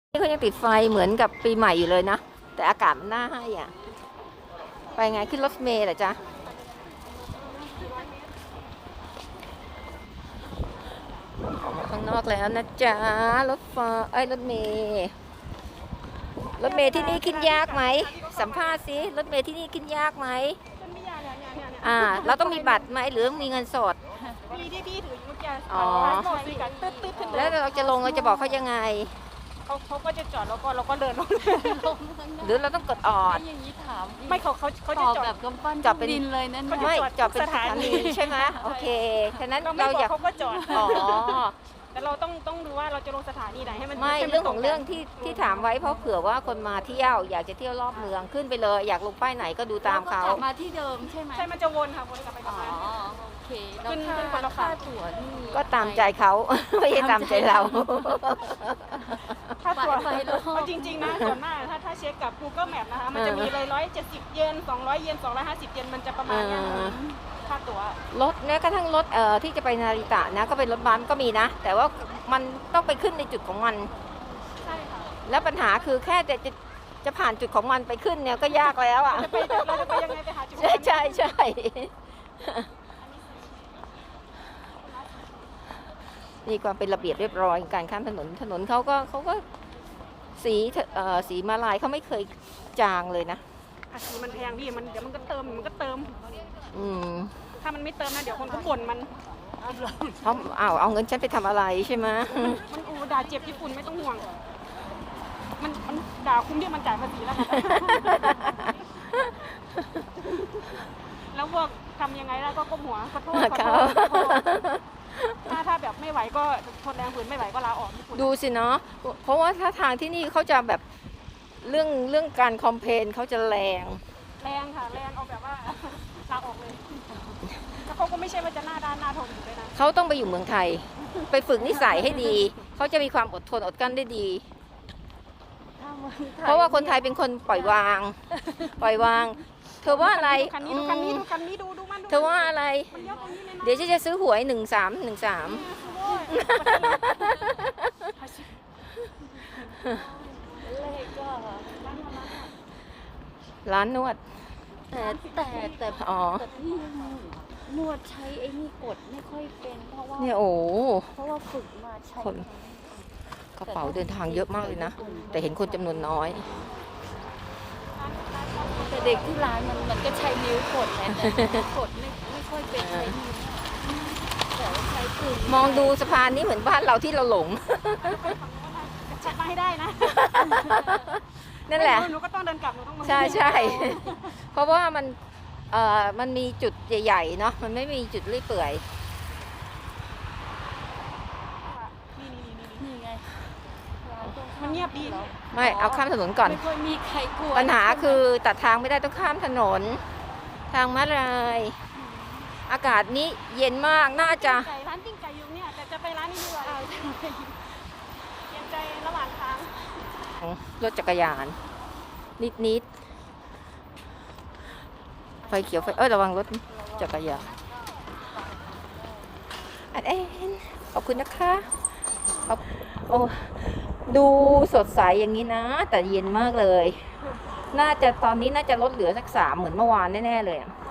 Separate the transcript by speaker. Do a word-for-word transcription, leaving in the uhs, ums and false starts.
Speaker 1: นี่เขายังติดไฟเหมือนกับปีใหม่อยู่เลยนะแต่อากาศมันน่าให้อ่ะไปไงขึ้นรถเมล์เหรอจ๊ะออกมาข้างนอกแล้วนะจ๊ะรถไฟเอ้ยรถเมล์รถเมล์ที่นี่ขึ้นยากไหมสัมภาษณ์สิรถเมล์ที่นี่ขึ้นยากไหมอ่าเราต้องมีบัตรไหมหรือมีเงินสด
Speaker 2: มีที่พี่ถืออยู่เมื่อกี้
Speaker 1: อ๋อ
Speaker 2: ตึ๊ดตึ๊ดขึ้น
Speaker 1: แล้วเราจะลงเราจะบอกเขายังไง
Speaker 2: เขาเขาก็จะจอดแล้วก็เราก็เดินลง
Speaker 1: หรือเราต้องกดออด
Speaker 3: อย่างนี้ถาม
Speaker 2: ไม่เขาเขาเขาจะจอด
Speaker 3: แบบกำปั้น
Speaker 1: จอดเป็น
Speaker 3: ดินเลยนั่น
Speaker 1: ไม่จอดเป็นสถานีใช่ไหมโอเคฉะนั้น
Speaker 2: เราไม่
Speaker 1: เรา
Speaker 2: บอ
Speaker 1: อยาก
Speaker 2: กเขาก็จอด
Speaker 1: อ๋อ
Speaker 2: แต่เราต้องต้องดูว่าเราจะลงสถานีไหนให้มัน
Speaker 1: ไม่
Speaker 2: ให้มัน
Speaker 1: เรื่องของ
Speaker 2: ต
Speaker 1: เรื่องที่ที่ถามไว้เพราะเผื่อว่าคนมาเที่ยวอยากจะเที่ยวรอบเมืองขึ้นไปเลยอยากลงป้ายไหนก็ดูตามเขา
Speaker 3: กลับมาที่เดิมใช่ไหม
Speaker 2: ใช่มันจะวนค่ะวนกลับไปกลั
Speaker 3: อ๋
Speaker 2: บ
Speaker 3: อ
Speaker 2: มา
Speaker 3: โอเคแล้ว
Speaker 2: ขึ้น
Speaker 3: ค่า
Speaker 2: ขึ้นคนละ
Speaker 3: ค่า
Speaker 2: ฝั่ง
Speaker 3: ตั๋วนี่
Speaker 1: ก็ตามใจเขาไม่ใช่ตามใจเรา
Speaker 2: ถ้าตัว
Speaker 3: ไปรอบ
Speaker 2: เอาจริงๆนะส่วนมากถ้าถ้าเช็คกับ Google Map นะคะมันจะมีเลยร้อยเจ็ดสิบเยนสองร้อยเยนสองร้อยห้าสิบเยนมันจะประมาณเนี้ย
Speaker 1: อ่า
Speaker 2: ค่าตั๋ว
Speaker 1: รถแม้กระทั่งรถเอ่อที่จะไปนาริตะนะก็เป็นรถบัสก็มีนะ แต่ว่ามันต้องไปขึ้นในจุดของมัน
Speaker 2: ใช่ค่ะ
Speaker 1: แล้วปัญหาคือแค่จะจะจะผ่านจุดของมันไปขึ้นเนี่ยก็ยากแล้วอ่ะ
Speaker 2: จะไปเราจะไปยังไงไปหาจุด
Speaker 1: ใช่ใช่ใช่นี่ความเป็นระเบียบเรียบร้อยการข้ามถนนถนนเขาก็เขาก็สีเอ่อสีมาลายเขาไม่เคยจางเลยนะ
Speaker 2: อ่ะสีมันแพงพี่มันเดี๋ยวมันก็เติมมันก็เติม
Speaker 1: อืม
Speaker 2: ถ้ามันไม่เติมนะเดี๋ยวคนก็บ่นมัน
Speaker 1: เขาเอาเอาเงินฉันไปทำอะไรใช่ไหม
Speaker 2: มันอูด่าเจ็บญี่ปุ่นไม่ต้องห่วง มันมันด่าคุ้มที่มันจ่ายภาษีแล้วค่ะ แล้วพวกทำยังไงแล้วก็ก้มหัวขอโทษขอโทษขอโทษถ้าถ้าแบบไม่ไหวก็ทนแรงฝืนไม่ไหวก็ลาออกญี่ปุ่น
Speaker 1: ดูสิเนาะเพราะว่าถ้าทางที่นี่เขาจะแบบเรื่องเรื่องการคอมเพลนเขาจะแรง
Speaker 2: แรงค่ะแรงเอาแบบว่า ลาออกเลยแล้วเขาก็ไม่ใช่ว่าจะหน้าด้านหน้าทนอยู่เลยนะ
Speaker 1: เขาต้องไปอยู่เมืองไทย ไปฝึกนิสัยให้ดี เขาจะมีความอดทนอดกลั้นได้ดี เพราะว่าคนไทยเป็นคนปล่อยวาง ปล่อยวาง เธอว่าอะไร
Speaker 2: ดูคันนี้ดูคันนี้ดูคันนี้ดูดูมันดู
Speaker 1: เธอว่าอะไร
Speaker 2: มันยกตรงนี้เลยนะ
Speaker 1: เดี๋ยวฉันจะซื้อหวยหนึ่งสามหนึ่งสาม
Speaker 2: โอ้ย
Speaker 3: เลขก็
Speaker 1: ร้านนวด
Speaker 3: แต่แต่แต่
Speaker 1: อ๋อ
Speaker 3: แต่พี่นวดใช้ไอ้นี่กดไม่ค่อยเป็นเพราะว่า
Speaker 1: เนี่ยโอ้
Speaker 3: เพราะว่าฝึกมาใช้
Speaker 1: คนกระเป๋าเดินทางเยอะมากเลยนะ แต่เห็นคนจำนวนน้อย
Speaker 3: แต่เด็กที่ร้านมันมันก็ใช้นิ้วกดแทนแต่กดไม่ไม่ค่อยเป็นใช้นิ้วแต่ว่าใช้ปืน
Speaker 1: มองดูสะพานนี้เหมือนบ้านเราที่เราหลง
Speaker 2: จับมาให้ได้นะ
Speaker 1: นั่นแหละ
Speaker 2: หนูก็ต้องเดินกลับหนูต้องมา
Speaker 1: ใช่ใช่เพราะว่ามันเอ่อมันมีจุดใหญ่ๆเนาะมันไม่มีจุดเลื่อยเปื่อย
Speaker 2: นี่นี่นี่นี่
Speaker 3: นี่ไงร้านตรงข้า
Speaker 2: มันเงียบดี
Speaker 1: ไม่เอาข้ามถนนก่อน
Speaker 3: ไม่ค่อยมีใครกลัว
Speaker 1: ปัญหาคือตัดทางไม่ได้ต้องข้ามถนน ทางม้าลายอากาศนี้เย็นมากน่าจะ
Speaker 2: ไก่ร้านปิ้งไก่อยู่เนี่ยแต่จะไปร้านนี้ดีกว่าเปลี่ยนใจระหว่างทาง
Speaker 1: รถจักรยาน นิดนิดๆไฟเขียวไฟเอ้ยระวังรถจักรยานอันเอ็นขอบคุณนะคะขอบโอ้ดูสดใสอย่างนี้นะ แต่เย็นมากเลย น่าจะตอนนี้น่าจะลดเหลือสักสามเหมือนเมื่อวานแน่ๆเลยอะ